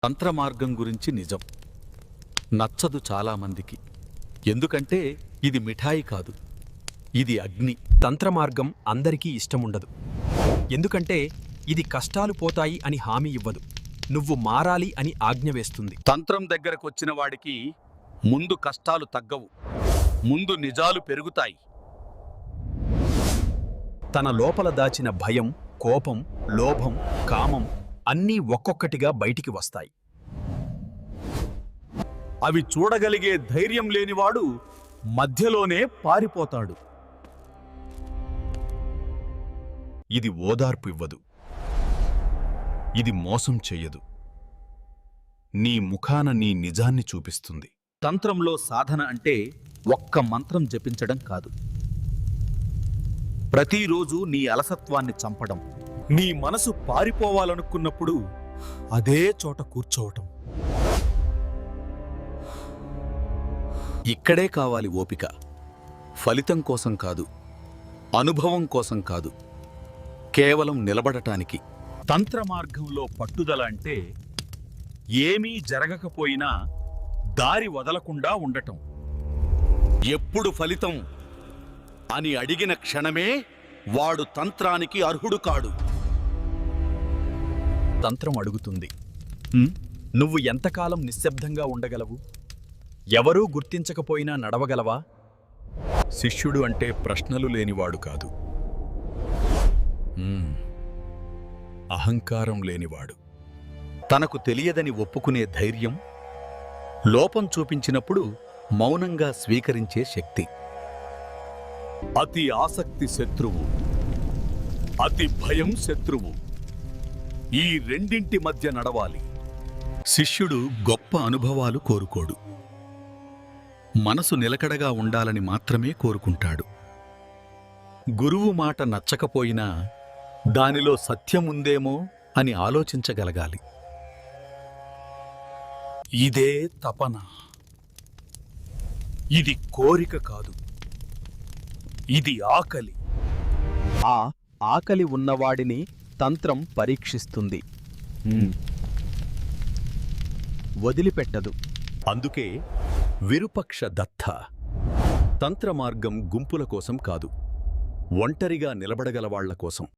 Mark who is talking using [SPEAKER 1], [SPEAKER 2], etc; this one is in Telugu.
[SPEAKER 1] తంత్రమార్గం గురించి నిజం నచ్చదు చాలామందికి. ఎందుకంటే ఇది మిఠాయి కాదు, ఇది అగ్ని.
[SPEAKER 2] తంత్రమార్గం అందరికీ ఇష్టముండదు. ఎందుకంటే ఇది కష్టాలు పోతాయి అని హామీ ఇవ్వదు, నువ్వు మారాలి అని ఆజ్ఞ వేస్తుంది.
[SPEAKER 1] తంత్రం దగ్గరకొచ్చిన వాడికి ముందు కష్టాలు తగ్గవు, ముందు నిజాలు పెరుగుతాయి.
[SPEAKER 2] తన లోపల దాచిన భయం, కోపం, లోభం, కామం అన్నీ ఒక్కొక్కటిగా బయటికి వస్తాయి.
[SPEAKER 1] అవి చూడగలిగే ధైర్యం లేనివాడు మధ్యలోనే పారిపోతాడు.
[SPEAKER 2] ఇది ఓదార్పు ఇవ్వదు, ఇది మోసం చెయ్యదు, నీ ముఖాన నీ నిజాన్ని చూపిస్తుంది.
[SPEAKER 1] తంత్రంలో సాధన అంటే ఒక్క మంత్రం జపించడం కాదు, ప్రతిరోజు నీ అలసత్వాన్ని చంపడం. నీ మనసు పారిపోవాలనుకున్నప్పుడు అదే చోట కూర్చోవటం. ఇక్కడే కావాలి ఓపిక, ఫలితం కోసం కాదు, అనుభవం కోసం కాదు, కేవలం నిలబడటానికి. తంత్రమార్గంలో పట్టుదల అంటే ఏమీ జరగకపోయినా దారి వదలకుండా ఉండటం. ఎప్పుడు ఫలితం అని అడిగిన క్షణమే వాడు తంత్రానికి అర్హుడు కాడు.
[SPEAKER 2] తంత్రం అడుగుతుంది, నువ్వు ఎంతకాలం నిశ్శబ్దంగా ఉండగలవు? ఎవరూ గుర్తించకపోయినా నడవగలవా? శిష్యుడు అంటే ప్రశ్నలు లేనివాడు కాదు, అహంకారం లేనివాడు.
[SPEAKER 1] తనకు తెలియదని ఒప్పుకునే ధైర్యం, లోపం చూపించినప్పుడు మౌనంగా స్వీకరించే శక్తి. అతి ఆసక్తి శత్రువు, అతి భయం శత్రువు. ఈ రెండింటి మధ్య నడవాలి. శిష్యుడు గొప్ప అనుభవాలు కోరుకోడు, మనసు నిలకడగా ఉండాలని మాత్రమే కోరుకుంటాడు. గురువు మాట నచ్చకపోయినా దానిలో సత్యముందేమో అని ఆలోచించగలగాలి. ఇదే తపన, ఇది కోరిక కాదు, ఇది ఆకలి.
[SPEAKER 2] ఆ ఆకలి ఉన్నవాడిని తంత్రం పరీక్షిస్తుంది, వదిలిపెట్టదు.
[SPEAKER 1] అందుకే విరుపక్ష దత్త. తంత్రమార్గం గుంపుల కోసం కాదు, ఒంటరిగా నిలబడగలవాళ్ల కోసం.